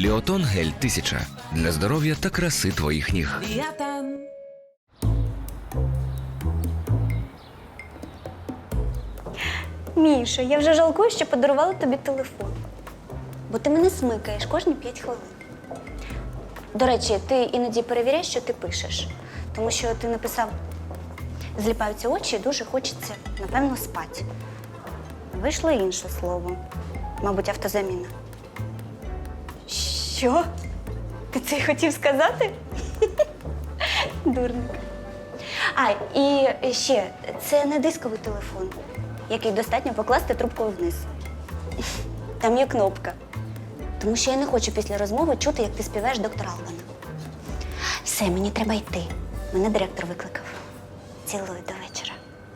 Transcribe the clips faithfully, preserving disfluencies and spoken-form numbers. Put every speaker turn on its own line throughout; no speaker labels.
Біотон гель тисяча для здоров'я та краси твоїх ніг.
Біотон.
Міша, я вже жалкую, що подарувала тобі телефон. Бо ти мене смикаєш кожні п'ять хвилин. До речі, ти іноді перевіряєш, що ти пишеш. Тому що ти написав «зліпаються очі і дуже хочеться, напевно, спати». Вийшло інше слово. Мабуть, автозаміна. Що? Ти це й хотів сказати? Дурник. А, і ще, це не дисковий телефон, який достатньо покласти трубкою вниз. Там є кнопка. Тому що я не хочу після розмови чути, як ти співаєш доктора Албана. Все, мені треба йти. Мене директор викликав. Цілую до вечора.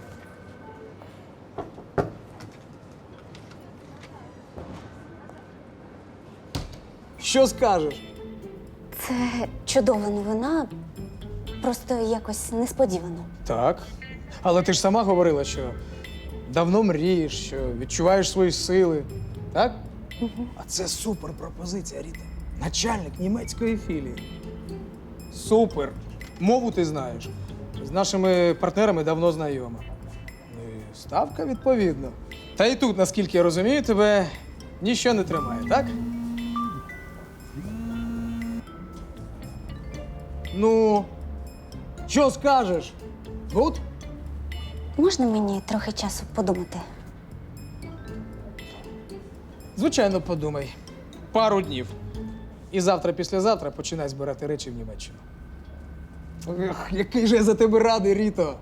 Що скажеш?
Це чудова новина, просто якось несподівано.
Так. Але ти ж сама говорила, що давно мрієш, що відчуваєш свої сили. Так? Угу. А це супер пропозиція, Ріта. Начальник німецької філії. Супер. Мову ти знаєш. З нашими партнерами давно знайома. Ну і ставка відповідно. Та і тут, наскільки я розумію, тебе ніщо не тримає, так? Ну, що скажеш? Гуд?
Можна мені трохи часу подумати?
Звичайно, подумай. Пару днів. І завтра-післязавтра починай збирати речі в Німеччину. Ех, який же я за тебе радий, Ріто!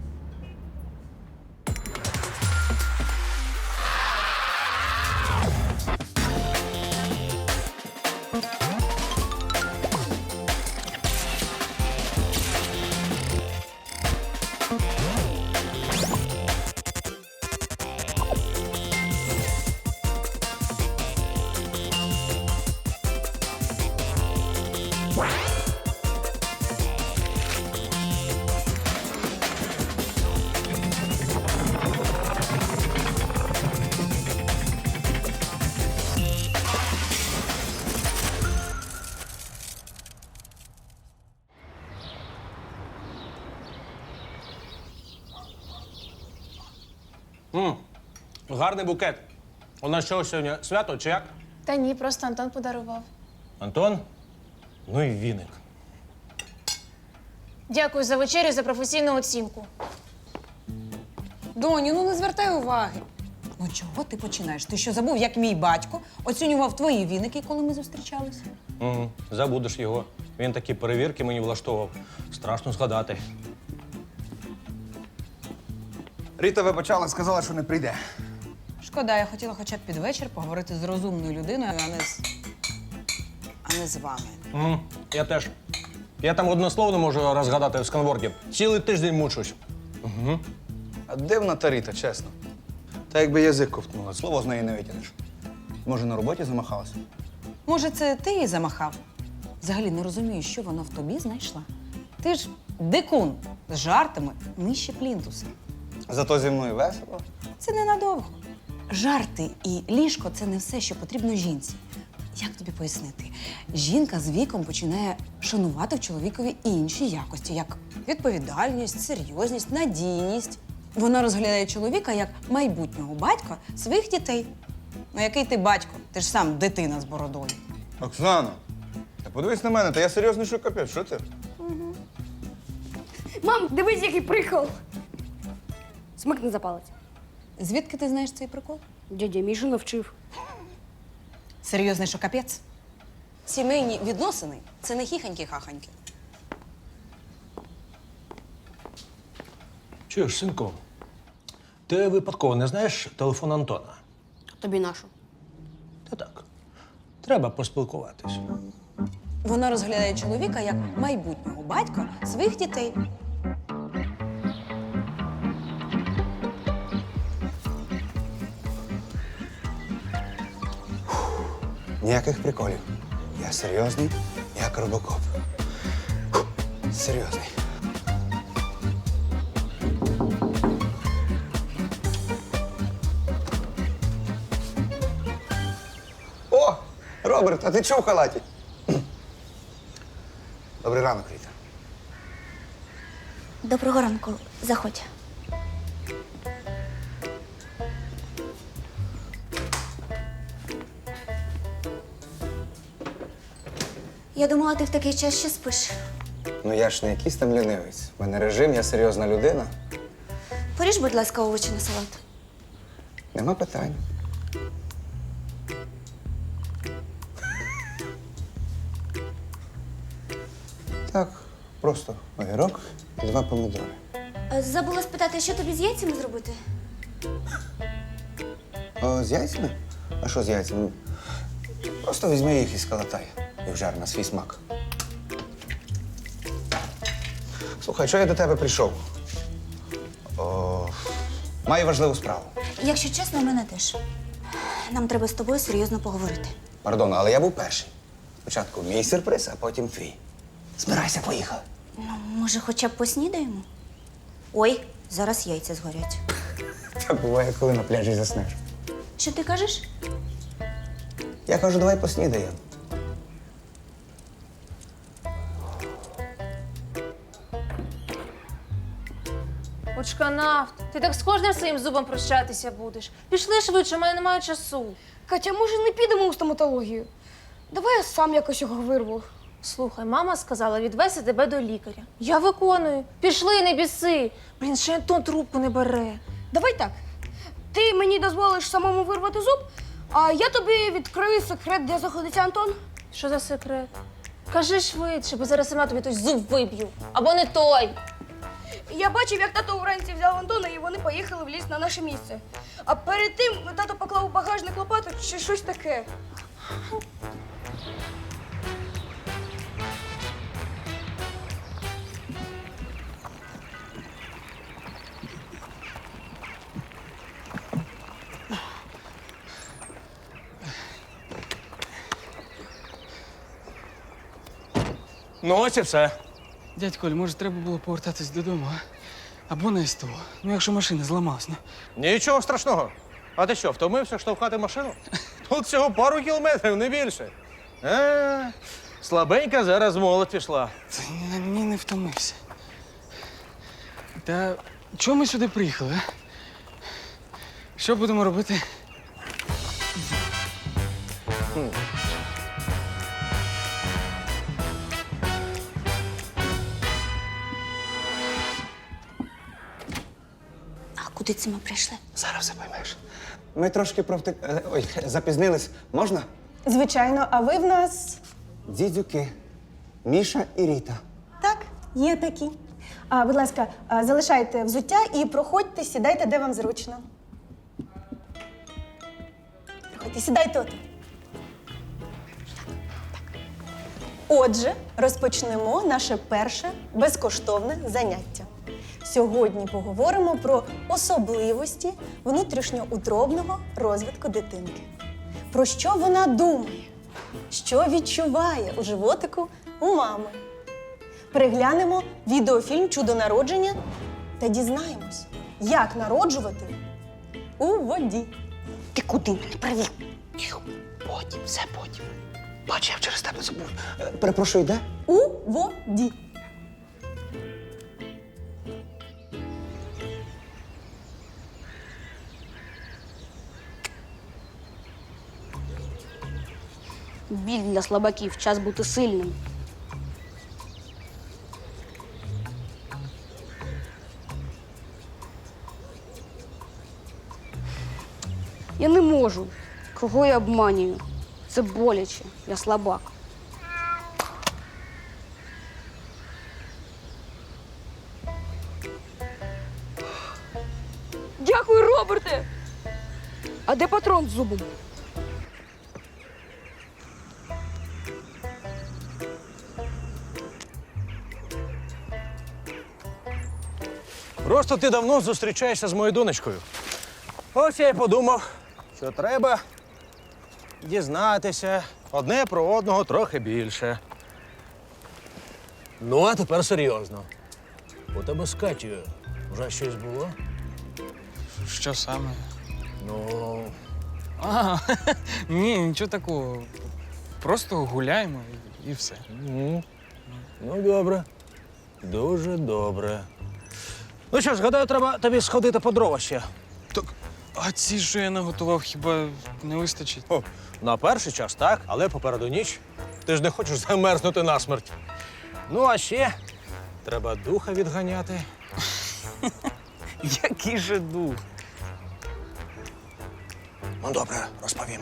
М, гарний букет. У нас що сьогодні свято чи як?
Та ні, просто Антон подарував.
Антон? Ну і віник.
Дякую за вечерю, за професійну оцінку.
Доню, ну не звертай уваги. Ну чого ти починаєш? Ти що забув, як мій батько оцінював твої віники, коли ми зустрічалися?
Угу. Забудеш його. Він такі перевірки мені влаштовував. Страшно згадати.
Ріта вибачала, сказала, що не прийде.
Шкода, я хотіла хоча б під вечір поговорити з розумною людиною, а не з. а не з вами.
Угу. Я теж. Я там одне не можу розгадати в сканворді. Цілий тиждень мучусь. Угу.
А дивна та Ріта, чесно. Та якби язик ковтнула, слово з неї не витягнеш. Може, на роботі замахалася?
Може, це ти її замахав? Взагалі не розумію, що вона в тобі знайшла. Ти ж дикун з жартами нижче плінтуса.
Зато зі мною весело.
Це ненадовго. Жарти і ліжко – це не все, що потрібно жінці. Як тобі пояснити? Жінка з віком починає шанувати в чоловікові інші якості, як відповідальність, серйозність, надійність. Вона розглядає чоловіка як майбутнього батька своїх дітей. Ну який ти батько? Ти ж сам дитина з бородою.
Оксана, та подивись на мене, та я серйозний, що капець, що ти?
Мам, дивись, який прикол. Смикни за палець.
Звідки ти знаєш цей прикол?
Дядя Міша навчив.
Серйозний, що капець? Сімейні відносини – це не хіханьки-хаханьки.
Чуєш, синку, ти випадково не знаєш телефон Антона?
Тобі нашу.
Та так. Треба поспілкуватись.
Вона розглядає чоловіка як майбутнього батька своїх дітей.
Ніяких приколів. Я серйозний, як робокоп. Фух, серйозний. Роберт, а ти чого в халаті? Добрий ранок, Ріта.
Доброго ранку, заходь. Я думала, ти в такий час ще спиш.
Ну я ж не якийсь там лінивець. У мене режим, я серйозна людина.
Поріж, будь ласка, овочі на салат.
Нема питань. Так, просто огірок і два помідори.
Е, Забула спитати, що тобі з яйцями зробити?
О, з яйцями? А що з яйцями? Просто візьми їх і скалатай. І вжар на свій смак. Слухай, що я до тебе прийшов? О, маю важливу справу.
Якщо чесно, у мене теж. Нам треба з тобою серйозно поговорити.
Пардон, але я був перший. Спочатку мій сюрприз, а потім твій. Збирайся, поїхали.
Ну, може, хоча б поснідаємо? Ой, зараз яйця згорять.
Так буває, коли на пляжі заснеш.
Що ти кажеш?
Я кажу, давай поснідаємо.
Очканавт, ти так з кожним своїм зубом прощатися будеш. Пішли швидше, у мене немає часу.
Катя, може не підемо у стоматологію? Давай я сам якось його вирву.
Слухай, мама сказала відвести тебе до лікаря. Я виконую. Пішли, не біси. Блін, ще Антон трубку не бере.
Давай так. Ти мені дозволиш самому вирвати зуб, а я тобі відкрию секрет, де знаходиться Антон.
Що за секрет? Кажи швидше, бо зараз сама тобі той зуб виб'ю. Або не той.
Я бачив, як тато вранці взяв Антона, і вони поїхали в ліс на наше місце. А перед тим тато поклав у багажник лопату чи щось таке.
Ну, ось і все.
Дядь Коль, може, треба було повертатись додому, а? Або на СТО. Ну, якщо машина зламалась, ну.
Нічого страшного. А ти що, втомився штовхати машину? Тут всього пару кілометрів, не більше. Е, слабенька зараз в молодь пішла.
Та ні, ні, не втомився. Та чого ми сюди приїхали, а? Що будемо робити?
А куди це ми прийшли?
Зараз все поймеш. Ми трошки провтик... е, Ой, запізнились. Можна?
Звичайно, а ви в нас
Дідюки. Міша і Ріта.
так, є такі. А, будь ласка, а, залишайте взуття і проходьте, сідайте, де вам зручно. Проходьте, сідайте от. Отже, розпочнемо наше перше безкоштовне заняття. Сьогодні поговоримо про особливості внутрішньоутробного розвитку дитинки. Про що вона думає, що відчуває у животику у мами. Переглянемо відеофільм «Чудо народження» та дізнаємось, як народжувати у воді.
Ти куди мене привів?
Потім, все потім. Бач, я через тебе забув. Е, Перепрошую, де?
У воді.
Біль для слабаків, час бути сильним. Я не можу. Кого я обманюю? Це боляче. Я слабак.
Дякую, Роберте! А де патрон з зубом?
Просто ти давно зустрічаєшся з моєю донечкою. Ось я й подумав, що треба дізнатися одне про одного трохи більше. Ну, а тепер серйозно. У тебе з Катєю вже щось було?
Що саме?
Ну,
А, ні, нічого такого.
просто гуляємо і, і все.
Ну, ну, добре. Дуже добре. Ну що ж, гадаю, треба тобі сходити по дрова ще.
Так, а ці, що я наготував, хіба не вистачить?
О, на перший час так, але попереду ніч. Ти ж не хочеш замерзнути насмерть. Ну, а ще треба духа відганяти.
Який же дух?
Ну, добре, розповім.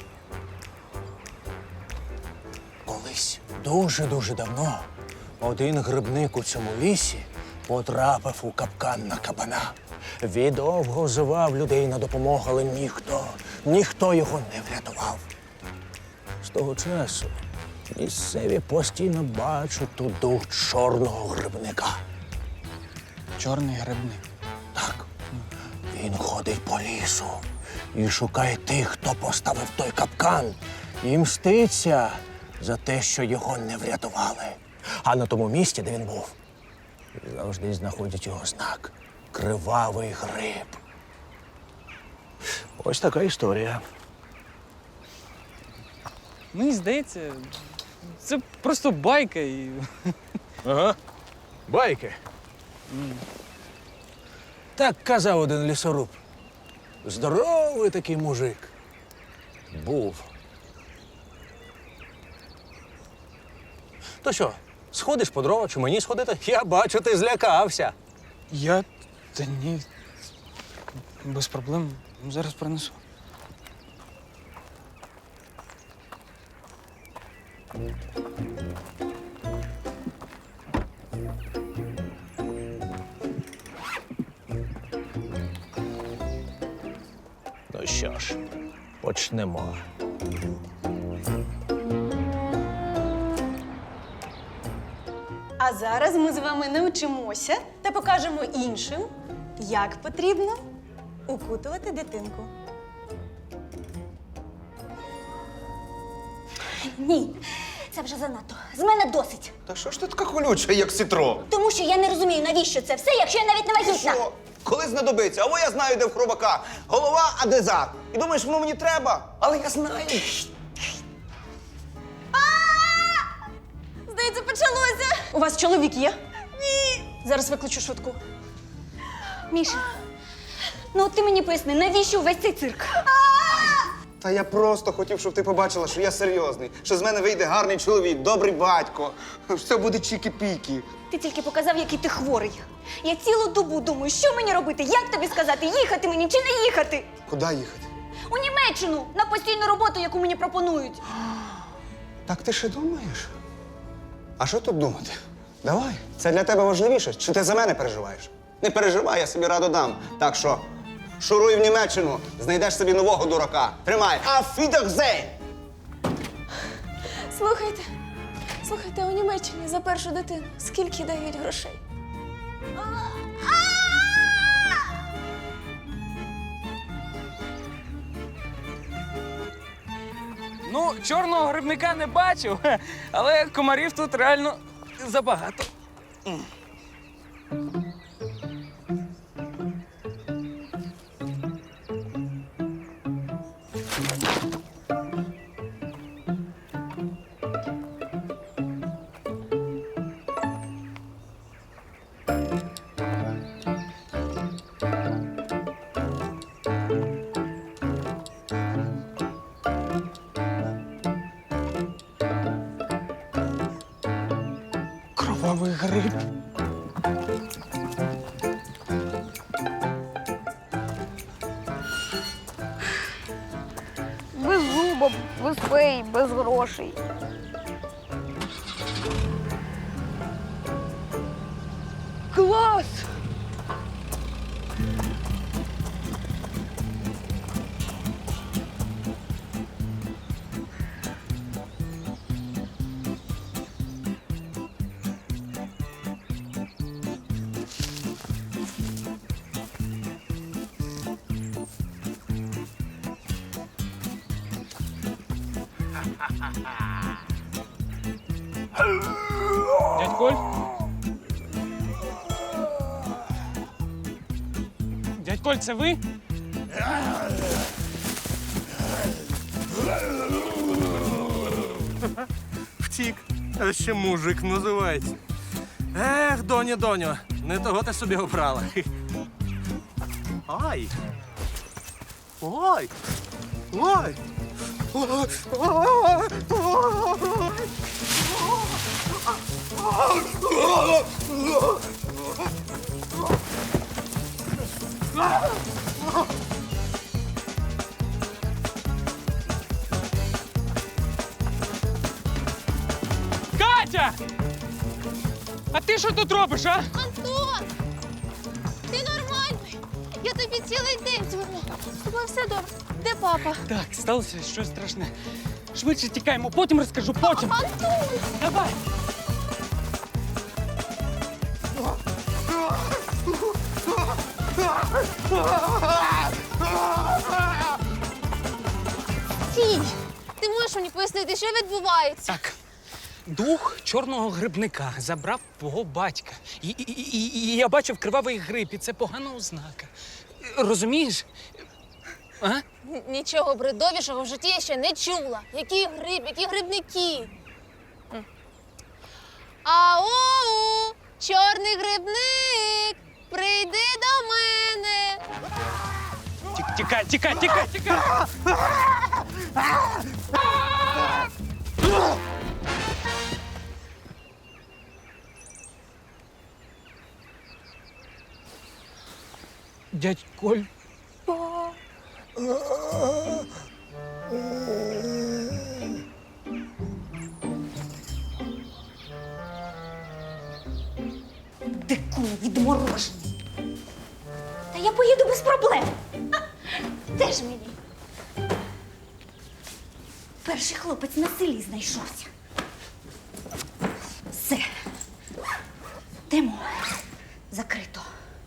Колись дуже-дуже давно один грибник у цьому лісі потрапив у капкан на кабана. Він довго звав людей на допомогу, але ніхто, ніхто його не врятував. З того часу місцеві постійно бачать тут дух чорного грибника.
Чорний грибник.
Так, він ходить по лісу і шукає тих, хто поставив той капкан, і мститься за те, що його не врятували. А на тому місці, де він був, завжди знаходять його знак – кривавий гриб. Ось така історія.
Мені здається, це просто байка і.
Ага, байки. Так казав один лісоруб. Здоровий такий мужик. Був. То що, сходиш по дрова чи мені сходити? Я бачу, ти злякався.
Я. Та ні. Без проблем. Зараз принесу.
Ну що ж, почнемо.
А зараз ми з вами навчимося та покажемо іншим, як потрібно укутувати дитинку.
Ні, це вже занадто. З мене досить.
Та що ж ти така колюча, як сітро?
Тому що я не розумію, навіщо це все, якщо я навіть не вагітна.
Що? Коли знадобиться? Або я знаю, де в хробака. Голова, а де зад. І думаєш, воно мені треба? Але я знаю.
Здається, почалося. У вас чоловік є? Ні. Зараз викличу швидку.
Міша, ну от ти мені поясни, навіщо увесь цей цирк?
Та я просто хотів, щоб ти побачила, що я серйозний, що з мене вийде гарний чоловік, добрий батько, що все буде чікі-пікі.
Ти тільки показав, який ти хворий. Я цілу добу думаю, що мені робити, як тобі сказати, їхати мені чи не їхати?
Куди їхати?
У Німеччину, на постійну роботу, яку мені пропонують.
Так ти ще думаєш? А що тут думати? Давай, це для тебе важливіше, чи ти за мене переживаєш? Не переживай, я собі раду дам. Так що, шуруй в Німеччину, знайдеш собі нового дурака. Тримай. Auf Wiedersehen!
Слухайте, слухайте, у Німеччині за першу дитину скільки дають грошей?
Ну, чорного грибника не бачив, але комарів тут реально забагато. Кровавий гриб.
Без зуба, без фей, без грошей. Клас!
Дядь Коль? Дядь Коль, це ви?
втік. А ще мужик називається. Ех, доню, доню, не того ти собі обрала. Ай! Ой! Ой!
Катя! А ти що тут робиш, а?
Антон! Ти нормальний? Я тобі цілий день дзвоню. З тобою все добре. Де папа?
Так, сталося щось страшне. Швидше тікаємо, потім розкажу, потім.
Антон!
Давай!
Стій! Ти можеш мені пояснити, що відбувається?
Так. Дух чорного грибника забрав твого батька. І, і, і, і, і я бачив кривавий гриб, і це погана ознака. Розумієш? А?
Н- Нічого бредовішого в житті я ще не чула. Який гриб, які грибники? М. Ау, чорний грибник, прийди до мене.
Тік- Тікай, тікай, тікай, тікай! Дядь Коль.
Дикун відморожений. Та я поїду без проблем. А, де ж мені? Перший хлопець на селі знайшовся. Все. Тему закрито.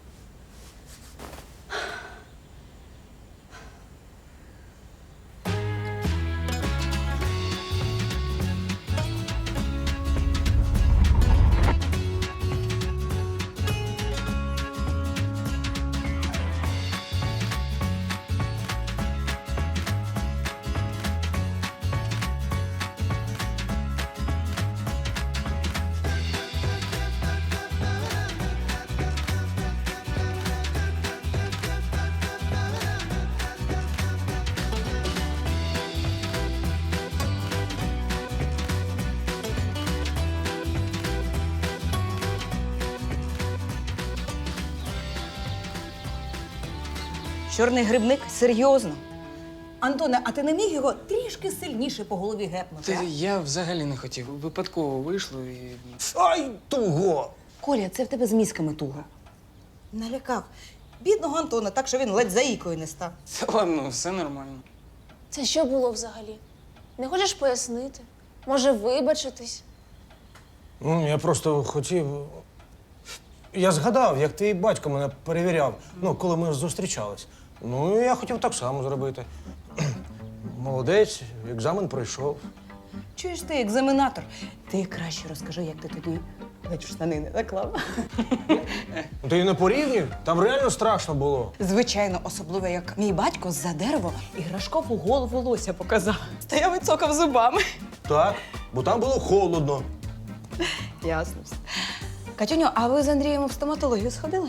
Чорний грибник? Серйозно? Антоне, а ти не міг його трішки сильніше по голові гепнути?
Та
а?
я взагалі не хотів. Випадково вийшло і.
Ай, туго!
Коля, це в тебе з мізками туго. Налякав. Бідного Антона, так що він ледь заїкою не став.
Та ладно, все нормально.
Це що було взагалі? Не хочеш пояснити? Може, вибачитись?
Ну, я просто хотів. Я згадав, як твій батько мене перевіряв, ну, коли ми зустрічались. Ну, і я хотів так само зробити. Молодець, екзамен пройшов.
Чуєш ти, екзаменатор? Ти краще розкажи, як ти тоді ледь в штани не наклав.
Ну, ти не порівнюй, там реально страшно було.
Звичайно, особливо, як мій батько з-за дерева іграшкову голову лося показав. Стояв і цокав зубами.
Так, бо там було холодно.
Ясно все. Катюню, а ви з Андрієм в стоматологію сходили?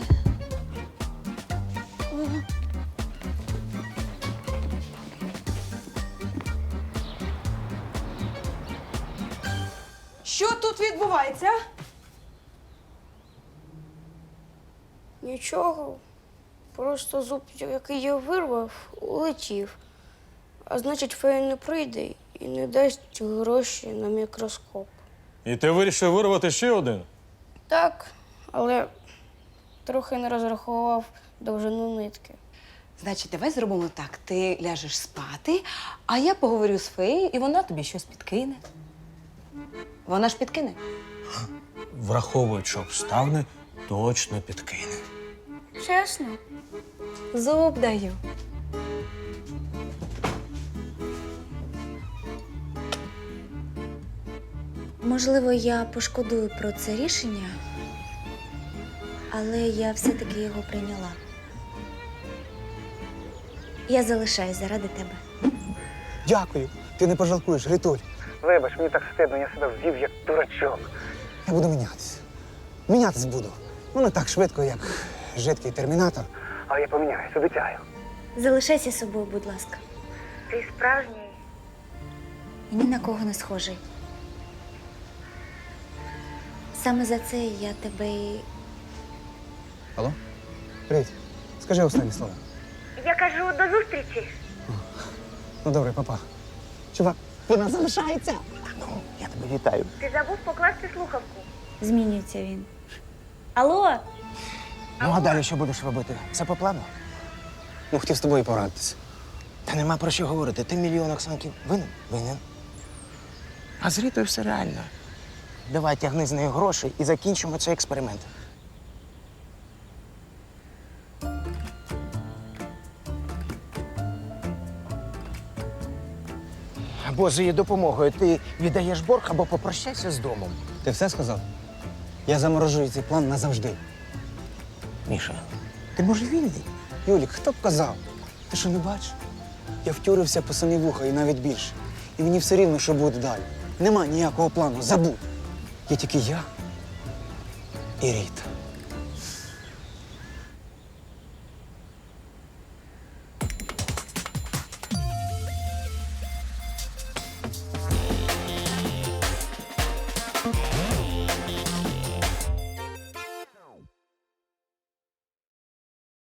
Що тут відбувається?
Нічого. Просто зуб, який я вирвав, улетів. А значить, фея не прийде і не дасть гроші на мікроскоп.
І ти вирішив вирвати ще один?
Так, але трохи не розрахував довжину нитки.
Значить, давай зробимо так. Ти ляжеш спати, а я поговорю з феєю, і вона тобі щось підкине. Вона ж підкине.
Враховуючи обставини, точно підкине.
Чесно?
Зуб даю.
Можливо, я пошкодую про це рішення, але я все-таки його прийняла. Я залишаюсь заради тебе.
Дякую. Ти не пожалкуєш, Ритуль. Вибач, мені так стидно, я себе ввів як дурачок. Я буду мінятися. Мінятись буду. Ну, не так швидко, як жидкий термінатор. Але я поміняюсь, обіцяю.
Залишайся собою, будь ласка. Ти справжній і ні на кого не схожий. Саме за це я тебе і...
Алло? Привіт. Скажи останні слова.
Я кажу, до зустрічі.
Ну, добре, папа. Чувак, вона залишається. Ну, я тебе вітаю.
Ти забув покласти слухавку. Змінюється він. Алло?
Ну, а далі що будеш робити? Все по плану?
Ну, хотів з тобою порадитися.
Та нема про що говорити. Ти мільйон Оксанків винен? Винен. А з Рітою все реально. Давай тягни з нею гроші і закінчимо цей експеримент. Або з її допомогою ти віддаєш борг, або попрощайся з домом.
Ти все сказав? Я заморожую цей план назавжди.
Міша, ти може вільний?
Юлік, хто б казав? Ти що не бачиш? Я втюрився по самі вуха і навіть більше. І мені все рівно, що буде далі. Нема ніякого плану, забудь. Є тільки я і Ріта.